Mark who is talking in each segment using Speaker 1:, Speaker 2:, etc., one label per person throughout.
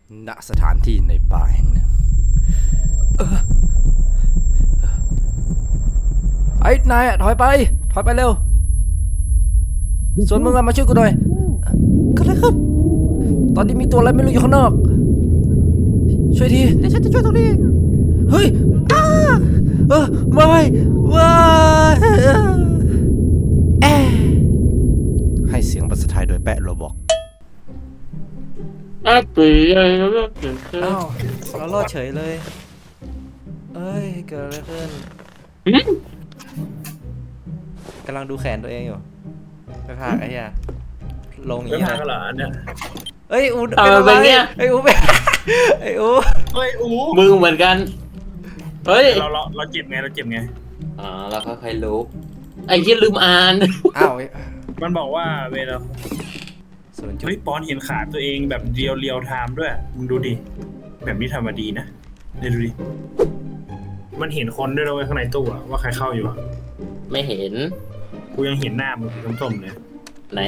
Speaker 1: ณสถานที่ในป่าแห่งหนึ่งไอ้นายถอยไปเร็วส่วนมึงมาช่วยกูหน่อยก็เลยครับตอนนี้มีตัวอะไรไม่รู้อยู่ข้างนอกช่วยทีเดี๋ยวฉันจะช่วยตรงนี้เฮ้ยไม่ให้เสียงภาษาไทยโดยแปะโรบอกอ้าวเรารอดเฉยเลยเอ้ยเกิดอะไรขึ้นกำลังดูแขนตัวเองอยู่ไปพากไอ้เหี้ยลงอย่างนี้เลยเอ้ยอูเป็นอะไรเนี่ยไอ้อูเป็นไอ้อู
Speaker 2: มึงเหมือนกันเฮ้ย
Speaker 3: เราเจ็บไง
Speaker 2: เราค่อยๆรู้ไอ้ที่ลืมอ่าน
Speaker 1: อ้าว
Speaker 3: มันบอกว่าเวลาเฮ้ยปอนเห็นขาตัวเองแบบเรียวไทม์ด้วยมึงดูดิแบบนี้ทำมาดีนะเนี่ยดูดิมันเห็นคนด้วยเลยข้างในตู้ว่าใครเข้าอยู่
Speaker 2: ไม่เห็น
Speaker 3: กูยังเห็นหน้ามึงส้มๆเลย
Speaker 2: ไหน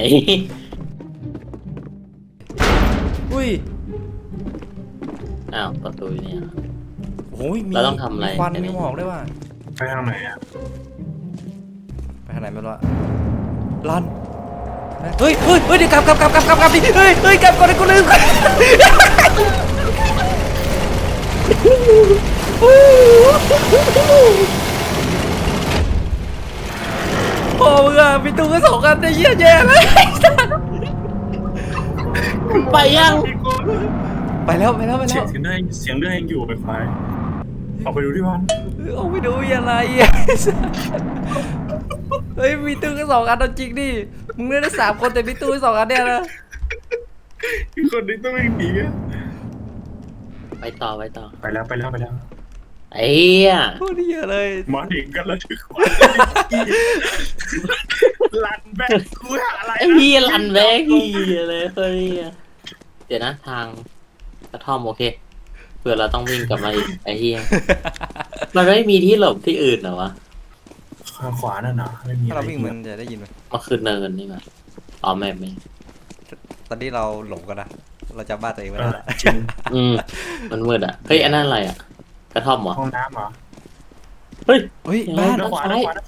Speaker 1: อุ้ย
Speaker 2: อ้าวประตูเนี่ย
Speaker 1: โอ้ย
Speaker 2: เราต้องทำอะไร
Speaker 1: ควันมีหมอกด้วยว่ะ
Speaker 3: ไปทางไหน
Speaker 1: ไปทางไหนไม่รู้ลันเฮ้ยเดี๋ยวกลับดิเฮ้ยกลับก่อนกูลืมโอ้มึงอะมีตู้ก็สองกันได้เยี่ยแย่เลย
Speaker 2: ไปยัง
Speaker 1: ไปแล้ว
Speaker 3: เสียงเรื่องยังอยู่ไปควายออกไปดูดิวัน
Speaker 1: ออกไปดูอะไรเฮ้ยมีตู้ก็สองอันจริงดิมึงเล่นได้3 คนแต่มีตู้สองอันเนี่ยนะ
Speaker 3: อีกคนนึงต้องวิ่งหนี
Speaker 2: ไปต่อ
Speaker 3: ไปแล้ว
Speaker 2: ไอ้เหี้ย
Speaker 1: โคตรเยอะเลย
Speaker 3: มาถึงกันแล้วถึงลันแบกกูหาอะไร
Speaker 2: ไอ้เหี้ยลันแบกเหี้ยเลยเฮ้ยเดี๋ยวนะทางกระท่อมโอเคเผื่อเราต้องวิ่งกลับมาอีกไอ้เหี้ยมันไม่มีที่หลบที่อื่นเหรอวะ
Speaker 3: ข้างขวานั่นนะไม่มี
Speaker 1: ถ้าเราวิ่งมันจะได้ยินไหม
Speaker 2: มันคือเนินนี่มั้ยอ๋อไม่
Speaker 1: ตอนนี้เราหลงกันนะเราจำบ้านตัวเองไม่ได้ละ
Speaker 2: มันมืดอ่ะเฮ้ยอันนั้นอะไรอ่ะกระท่อมเหรอ
Speaker 3: ห้องน้ำเหรอ
Speaker 1: เฮ้ยบ้าน
Speaker 3: ขวา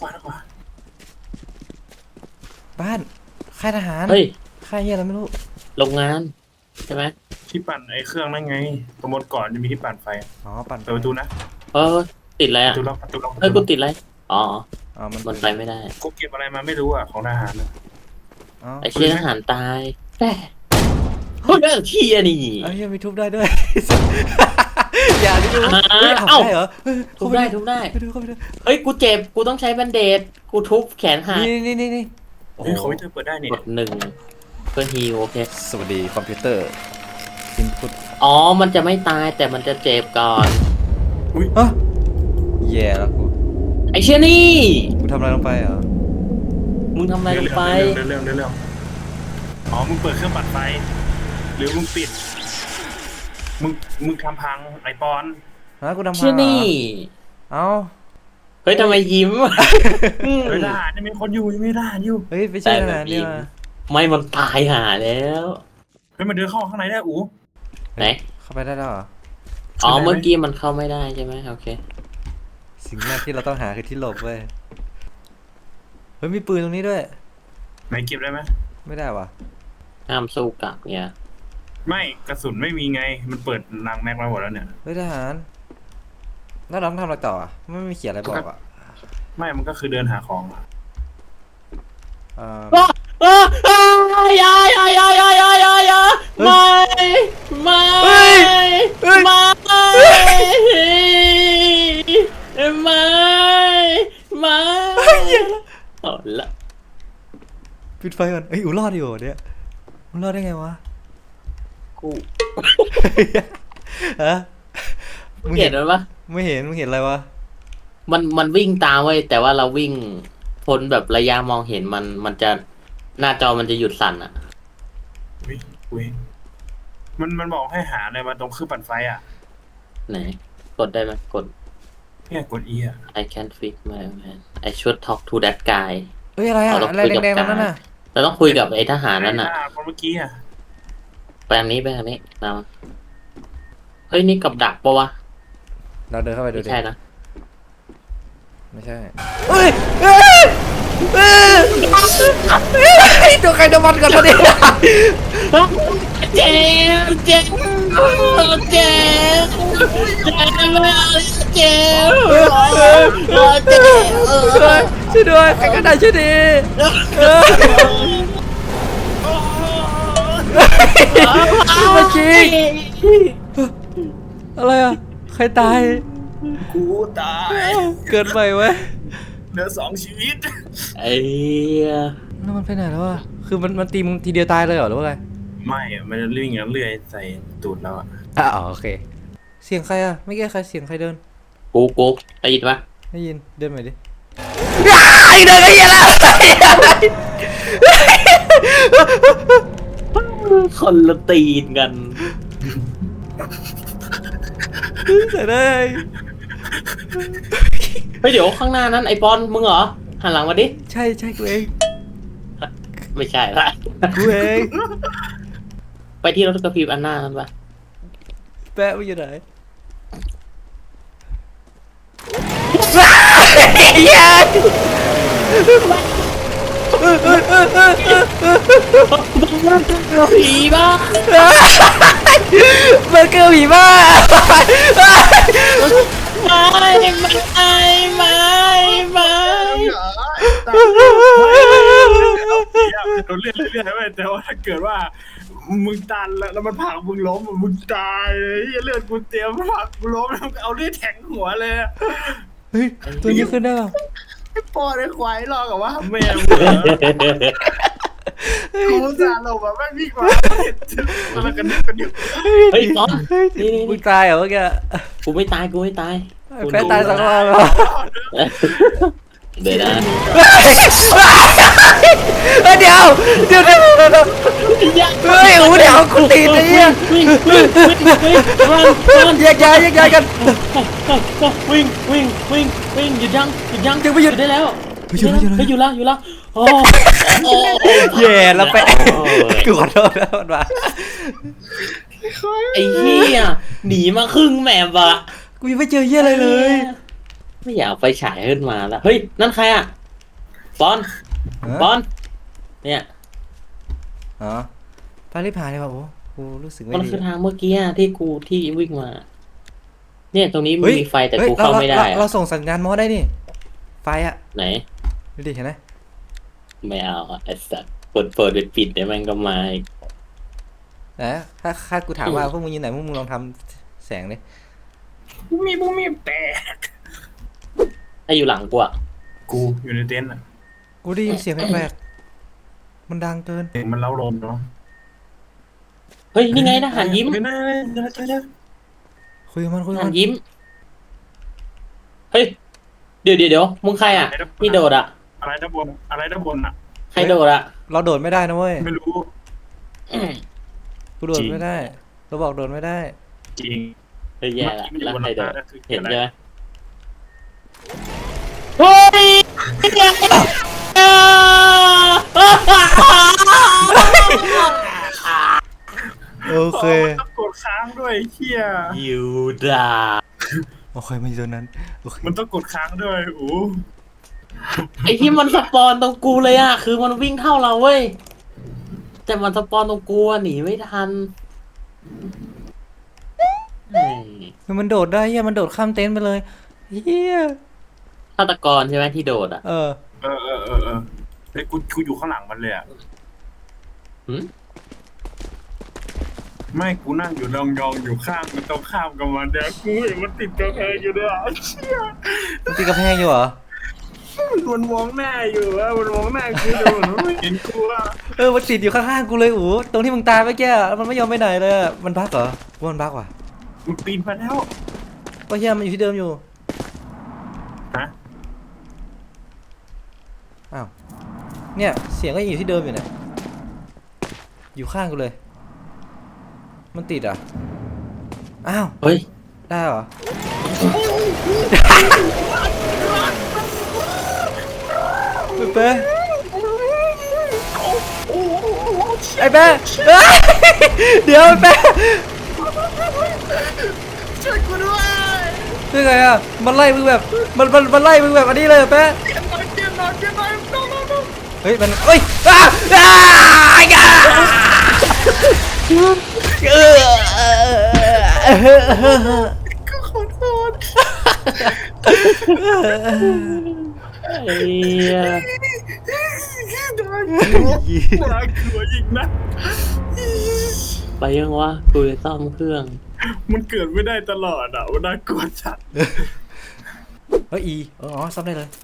Speaker 1: บ้านค่ายทหาร
Speaker 2: เฮ้ย
Speaker 1: ค่ายเฮียอะไรไม่รู้
Speaker 2: โรงงานใช่ไหม
Speaker 3: ที่ปั่นไอ้เครื่องนั่นไงประมวลก่อนจะมีที่ปั่นไฟ
Speaker 1: อ๋อปั่น
Speaker 3: เปิดประตูนะ
Speaker 2: ติดอะไรอ่ะเฮ้ยกูติดอะไรอ๋อมันไปไม่ได้
Speaker 3: กูเก็บอะไรมาไม่รู้อ่ะของทหารนะ
Speaker 2: ไอ้เชี่ยทหารตายแต่เฮ้ยเชี่ยนี่
Speaker 1: ไอ้ยังมีทุบได้ด้วยอย่าดิดู
Speaker 2: เอ้า
Speaker 1: เหรอ
Speaker 2: ทุบได้เฮ้ยกูเจ็บกูต้องใช้แบนเดดกูทุบแขนหัก
Speaker 1: นี่
Speaker 3: โอ้โหเขาจะเปิดได้เนี่ย
Speaker 2: กด1เพื่อฮีโอเค
Speaker 1: สวัสดีคอมพิวเตอร์อินพุต
Speaker 2: อ๋อมันจะไม่ตายแต่มันจะเจ็บก่อน
Speaker 3: อุ้ย
Speaker 1: แย่แล้วกู
Speaker 2: ไอ้เชี่ยนี่
Speaker 1: กูทำอะไรลงไปเหรอ
Speaker 2: มึงทำอะไรลงไป
Speaker 3: เรื่องอ๋อมึงเปิดเครื่องปั่นไฟหรือมึงปิดมึงทำพังไอปอน
Speaker 1: กูทำพัง
Speaker 2: เชี่ยนี่
Speaker 1: เอ้า
Speaker 2: เฮ้ยทำไมยิ้ม
Speaker 3: ไม่ได้นี่มีคนอยู่ไม่ได้อยู่
Speaker 1: เฮ้ยไปช่วยทหารเนี่ย
Speaker 2: ไม่มันตายหาแล้ว
Speaker 3: เฮ้ยมันเดินเข้าข้างในได้อู๋
Speaker 2: ไหน
Speaker 1: เข้าไปได้แล้วเหรอ
Speaker 2: อ๋อเมื่อกี้มันเข้าไม่ได้ใช่ไหมโอเค
Speaker 1: สิ่งแรกที่เราต้องหาคือที่หลบเว้ยเฮ้ยมีปืนตรงนี้ด้วย
Speaker 3: ไหนเก็บได้ไหม
Speaker 1: ไม่ได้ว่ะ
Speaker 2: ห้ามสู้กลับเนี่ย
Speaker 3: ไม่กระสุนไม่มีไงมันเปิดนางแม็กมาหมดแล้วเนี่ย
Speaker 1: เฮ้ยทหารแล้วเราต้องทำอะไรต่ออ่ะไม่มีเขียนอะไรบอกอ่ะ
Speaker 3: ไม่มันก็คือเดินหาของ
Speaker 2: อย่าไม่เอาละ
Speaker 1: ปิดไฟก่อนอูรอดอยู่เนี่ยมึงรอดได้ไงวะ
Speaker 2: กู
Speaker 1: ฮะ
Speaker 2: มึงเห็นไหมวะ
Speaker 1: ไม่เห็นมึงเห็นอะไรวะ
Speaker 2: มันวิ่งตามไว้แต่ว่าเราวิ่งพ้นแบบระยะมองเห็นมันจะหน้าจอมันจะหยุดสั่นอ่ะ
Speaker 3: มันบอกให้หาอะไรมาตรงเครื่องปั่นไฟอ่ะ
Speaker 2: ไหนกดได้ไหมกด
Speaker 3: เนี่ยกด E อ่ะ
Speaker 2: I can't fix my man I should talk to that guy
Speaker 1: เฮ้ยอะไรอ่ะอะไรแดงๆนั่นน่ะ
Speaker 2: เราต้องคุยกับไอ้ทหารนั่นน่ะ
Speaker 3: คนเมื่อกี้อ่ะ
Speaker 2: ไปทางนี้นอ้ยนี่กับดักปะวะ
Speaker 1: เราเดินเข้าไปดู
Speaker 2: ไม่
Speaker 1: ดิ
Speaker 2: ใช่นะ
Speaker 1: ไม่ใช่เฮ้ยเฮ้ยเฮ้ยตัวใครตัวมันกันตอนนี้
Speaker 2: เจ็บเจ็บเจ็บเจ็บ
Speaker 1: ช่วยด้วยใครก็ได้ช่วยดีมาจริงอะไรอ่ะใครตาย
Speaker 3: กูตาย
Speaker 1: เกินไปเว้ย
Speaker 3: เหลือ2 ชีวิต
Speaker 2: ไอ้เหี้ย
Speaker 1: แล้วมันไปไหนแล้วอ่ะคือมันตีมึงทีเดียวตายเลยเหรอหรือว่าไง
Speaker 3: ไม่อะมันจะวิ่งอย่างเลื่อยใส่ตูดเราอะ
Speaker 1: อ๋อโอเคเสียงใครอ่ะไม่แก้ใครเสียงใครเดิน
Speaker 2: กูได้ยินปะ
Speaker 1: ได้ยินเดินใหม่ดิไอ้เดินไอ้เหี้ยแล้ว
Speaker 2: คนละตีนกัน
Speaker 1: เสียได้
Speaker 2: เฮ้ยเดี๋ยวข้างหน้านั้นไอปอนมึงเหรอหันหลังมาดิ
Speaker 1: ใช่ใช่กูเอง
Speaker 2: ไม่ใช่ละ
Speaker 1: กูเอง
Speaker 2: ไปที่รถกระพริบอันหน้านั้นปะ
Speaker 1: แปะมันอยู่ไหน
Speaker 2: ผีบ้า
Speaker 1: เบอร์เกอร์ผีบ้า
Speaker 2: ไม่
Speaker 3: โดนเลื่อยเลื่อยไว้แต่ว่าถ้าเกิดว่ามึงตันแล้วมันผลักมึงล้มมึงตายเลยเลือดกูเตรียมผลักกูล้มแล้วเอาเลือดแทงหัวเลย
Speaker 1: เฮ้ยตัวนี้ขึ้นได้ป่ะ
Speaker 3: ไอ้พ่อไอ้ควายรอกับว่าแม่กูจะลงแบบไม่มีความเห็นแล้วกันนึก
Speaker 2: เฮ้ยปอนนี่
Speaker 1: มึงตายเหรอเมื่อกี้
Speaker 2: กูไม่ตายกู
Speaker 1: แปะตายสักรอบแล้ว
Speaker 2: เดี๋ยวนะ
Speaker 1: เดี๋ยวเฮ้ยโอ้เดี๋ยวกูตีนไอ้เหี้ย
Speaker 2: วิ่ง
Speaker 1: แยกย้ายกัน
Speaker 2: วิ่งหยุดยัง
Speaker 1: ยังไม่หยุด
Speaker 2: ได้แล้ว
Speaker 1: หยุด
Speaker 2: อยู่แล้วโอ้
Speaker 1: แย่แล้วไปกูขอโทษนะมันมา
Speaker 2: ไอ้เหี้ยหนีมาครึ่งแมปอะ
Speaker 1: กูยังไม่เจอเหี้ยอะไรเลย
Speaker 2: ไม่อยากเอาไปฉายขึ้นมาแล้วเฮ้ยนั่นใครอะปอนเนี่ย
Speaker 1: อ๋อไปรีบผ่านเลยว่ะโอ้กูรู้สึกไม่
Speaker 2: มัน
Speaker 1: ดี
Speaker 2: คือทางเมื่อกี้ที่วิ่งมา เนี่ยตรงนี้มีไฟแต่กูเข้าไม่ได้
Speaker 1: เราส่งสัญญาณมอสได้นี่ไฟอะ
Speaker 2: ไหน
Speaker 1: ดูดิเห็นไหม
Speaker 2: ไม่เอาอะไอ้สัตว์เปิดปิดเดี๋ยวมันก็มาอีก
Speaker 1: นะถ้ากูถามว่าพวกมึงอยู่ไหนพวกมึงลองทำแสงดิ
Speaker 3: บุ้มีแต่
Speaker 2: ถ้าอยู่หลังกูอะ
Speaker 3: กูอยู่ในเต็นท์อ่ะ
Speaker 1: กูได้ยินเสียงแปลกๆมันดังเกิน
Speaker 3: เสียงมันเล้าลมเนาะ
Speaker 2: เฮ้ยนี่ไงทหารยิ้ม
Speaker 1: คุยกับมัน
Speaker 2: ทหารยิ้มเฮ้ยเดี๋ยวมึงใครอะที่โดดอะ
Speaker 3: อะไรด้านบนอ่ะ
Speaker 2: ใครโดดอะ
Speaker 1: เราโดดไม่ได้นะเว้ย
Speaker 3: ไม่รู้
Speaker 1: กูโดดไม่ได้เราบอกโดดไม่ได้
Speaker 3: จริง
Speaker 2: เฮ้ยแย่ละแล้วใครโดด
Speaker 3: คือ
Speaker 2: เห็น
Speaker 3: อะไร
Speaker 2: ใช่ไหมเฮ้ย
Speaker 1: โอเค
Speaker 3: มันต้องกดค้างด้วยเฮีย
Speaker 2: ยูดา
Speaker 1: โอเคมันอยู่ตรงนั้นโอเค
Speaker 3: มันต้องกดค้างด้วยโอ้
Speaker 2: ไอที่มันสปอนตรงกูเลยอะคือมันวิ่งเท่าเราเว้ยแต่มันสปอนตรงกูอะหนีไม่ทัน
Speaker 1: มันโดดได้เฮียมันโดดข้ามเต็นท์ไปเลยเฮีย
Speaker 2: ฆาตกรใช่ไหมที่โดดอะ
Speaker 1: เออ
Speaker 3: เฮ้ยกูอยู่ข้างหลังมันเลยอ่ะ
Speaker 2: หืม
Speaker 3: ไม่กูนั่งอยู่ยองอยู่ข้างมันต้องข้ามกับมันเนี่ยกูเห็นมันติดกระแพงอยู่ด้วยเชี่ย
Speaker 1: มันตีกระแพงอยู่เหรอ
Speaker 3: มันมองหน้าอยู่อะมันมองหน้ากูดูมันไม่เห็นกูอะ
Speaker 1: มันติดอยู่ข้างๆกูเลยอู๋ตรงที่มึงตายเมื่อกี้มันไม่ยอมไปไหนเลยมันบั๊กเหรอว่ามันบั๊กว่ะ
Speaker 3: มันปีนมาแล้ว
Speaker 1: ก็เฮียมันอยู่ที่เดิมอยู่
Speaker 3: ฮะ
Speaker 1: อ้าวเนี่ยเสียงก็ยังอยู่ที่เดิมอยู่เนี่ยอยู่ข้างกูเลย มันติดอ่ะอ้าว
Speaker 2: เฮ้ย
Speaker 1: ได้เหรอเป๊ะไอ้เป๊ะเดี๋ยวไอ้เป๊ะยังไงอะมันไล่มึงแบบมันไล่มึงแบบอันนี้เลยแป๊ะ
Speaker 3: เจ็บหน่อยเจ็บหน่อยเจ็บหน่อยน้อง
Speaker 1: เฮ้ยมันเฮ้ยอ้าอ้าอ้า
Speaker 3: ก็ขอโทษ
Speaker 2: ไอ้เหี้ย
Speaker 3: น่ากลัวอีกนะ
Speaker 2: ไปยังวะกูจะซ่อมเครื่อง
Speaker 3: มันเกิดไม่ได้ตลอดอ่ะมันน่ากลัวจัด
Speaker 1: เฮ้ยอีอ๋อซ่อมได้เลย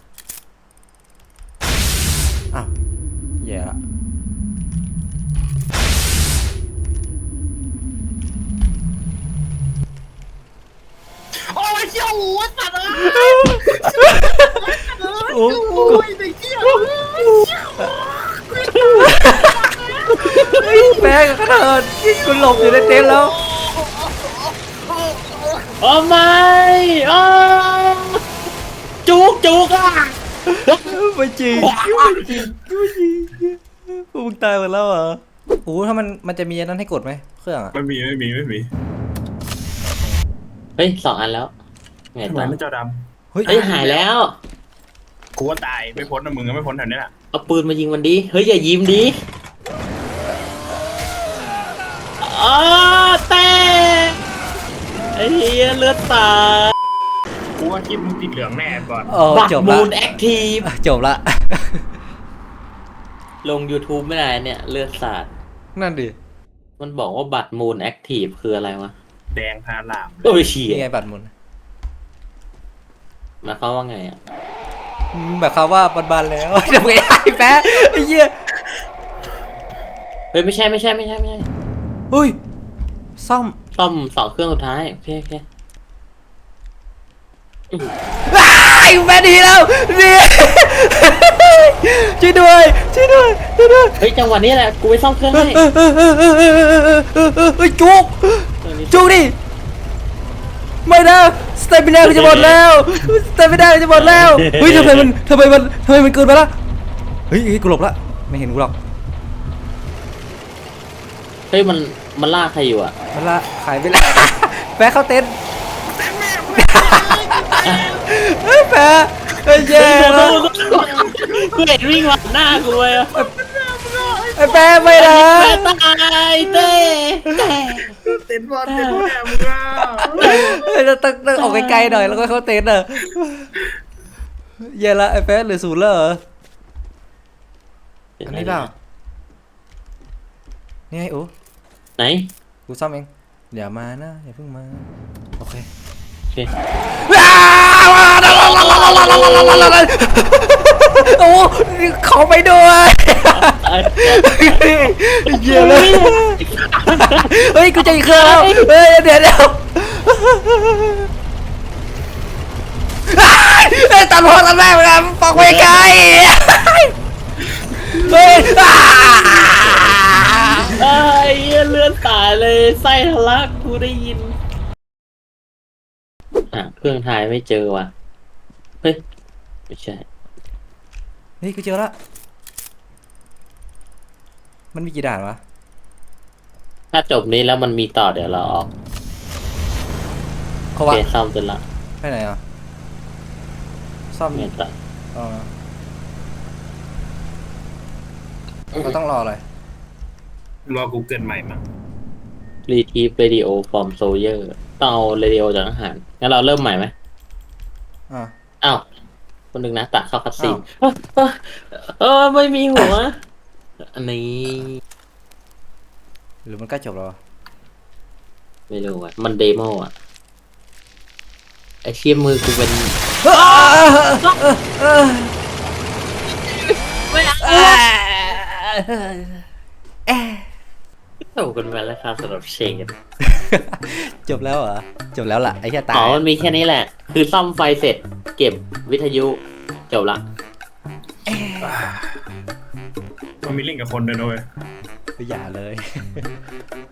Speaker 1: อ้าวแย่ละ
Speaker 3: โอ้ยเชี่ยวหัวสัตว์อ่ะ
Speaker 1: โอ้
Speaker 3: โอ้ยไอ้เชี่ยว
Speaker 1: แม่งขนาดกูหลบอยู่ในเต็นท์แล้ว
Speaker 2: โอ้ไม่อ้จุกอ่ะ
Speaker 1: ไม่จริงพวกมึงตายหมดแล้วเหรอโอ้ถ้ามันจะมีอันนั้นให้กดไหมเครื่องอะ
Speaker 3: ไม่มี
Speaker 2: เฮ้ย2 อันแล้วไง
Speaker 3: ทำไม
Speaker 2: ต่อ
Speaker 3: ไม่เจ้าด
Speaker 1: เฮ้ย
Speaker 2: เฮ้ยหายแล้ว
Speaker 3: ำกูว่าตายไม่พ้นนะมึงก็ไม่พ้นแถวนี้แหละ
Speaker 2: เอาปืนมายิงมันดิเฮ้ยอย่ายิ้มดิอ๋อแต่ไอ้เหี้ยเลือดสาด
Speaker 3: กูว่าคลิปมึงติดเหลืองแน่ก่อน
Speaker 1: โอ้
Speaker 2: บัต
Speaker 1: จ
Speaker 2: ร
Speaker 1: บ
Speaker 2: มู
Speaker 1: ละ
Speaker 2: นแอคทีฟ
Speaker 1: จบละ
Speaker 2: ลง YouTube ไม่ได้เนี่ยเลือดสาด
Speaker 1: นั่นดิ
Speaker 2: มันบอกว่าบัตรมูนแอคทีฟคืออะไรวะ
Speaker 3: แดงพาลาม
Speaker 2: โอ้ยเฉีย
Speaker 1: นี่ไงบัตรหมุน
Speaker 2: หมายความว่าไงอ่ะ
Speaker 1: แบบเขาว่าบานๆแล้วเดี๋ยวไอ้แป๊ะไอ้เหี้ย
Speaker 2: เฮ้ยไม่ใช่
Speaker 1: เฮ้ยซ่อม
Speaker 2: ซ่อม2 เครื่องสุดท้ายโอเค
Speaker 1: ไอ้แม่ดีแล้วนี่ช่วยด้วย
Speaker 2: เฮ้ยจังหวะนี้แหละกูไปซ่อมเครื่องให้
Speaker 1: เฮ้ยจุกดิไม่นะสเตมินาจะหมดแล้วสเตมินาจะหมดแล้วเฮ้ยทำไมมันเกินไปละเฮ้ยกูหลบละไม่เห็นกูหรอก
Speaker 2: เฮ้ยมันล่าใครอยู่อ่ะ
Speaker 1: มันละขายไปแล้วแปะเข้าเต็นท์เฮ้ยแปะเฮ้ยแย่แล้ว
Speaker 2: กูเห็นวิ่งมาหน้ากูเลยอ่ะ
Speaker 1: ไอ้แปะไม่นะ
Speaker 2: ตายเต้
Speaker 3: เต็นบอลเต็นแม่มึงอ่ะ
Speaker 1: เฮ้ยต้องออกไกลๆหน่อยแล้วก็เข้าเต็นท์อ่ะแย่ละไอ้แปะเหลือ0แล้วเหรออันนี้เปล่านี่ไงโอ้
Speaker 2: ไหน
Speaker 1: กูซ่อมเองอย่ามานะอย่าเพิ่งมาโอเค
Speaker 2: โอเค
Speaker 1: โอ้เขาไปด้วยเยี่ยเลยเฮ้ยกูจะอีกเครื่องแล้วเฮ้ยเดี๋ยวตัดพ่อตัดแม่ไปกันปอกไปไกลเฮ้ย
Speaker 2: ไอ้เหี้ยเลือดตายเลยไส้ทะลักกูได้ยินเครื่องถ่ายไม่เจอว่ะเฮ้ยไม่ใช่
Speaker 1: นี่กูเจอละมันมีกี่ด่านวะ
Speaker 2: ถ้าจบนี้แล้วมันมีต่อเดี๋ยวเราออก
Speaker 1: เขา
Speaker 2: โอ
Speaker 1: วะ
Speaker 2: เคซ่อมเสร็จละ
Speaker 1: ไปไหนอ่ะซ่อม
Speaker 2: เงียบละ
Speaker 1: อ๋อเราต้องรออะไร
Speaker 3: รอกูเกิดใหม่มั้ง
Speaker 2: รีทีฟเรดิโอฟอร์มโซเยอร์ต้องเอาเรดิโอจากทหารงั้นเราเริ่มใหม่ไหม
Speaker 1: อ่า
Speaker 2: อ้าวคนหนึ่งนะตัดเข้าคัดซีนไม่มีหัว อันนี้
Speaker 1: หรือมันใกล้จบแล้ววะ
Speaker 2: ไม่รู้อ่ะมันเดโมอ่ะไอเชี่ยมือกูเป็นโอ้กันไปแล้วครับสำหรับเชน
Speaker 1: จบแล้วเหรอจบแล้วล่ะไอ้แค่ตาย
Speaker 2: อ๋อมันมีแค่นี้แหละ คือซ่อมไฟเสร็จ เก็บวิทยุจบละ
Speaker 3: มันมีเล่นกับคนด้วยนะเว้ย
Speaker 1: อย่าเลย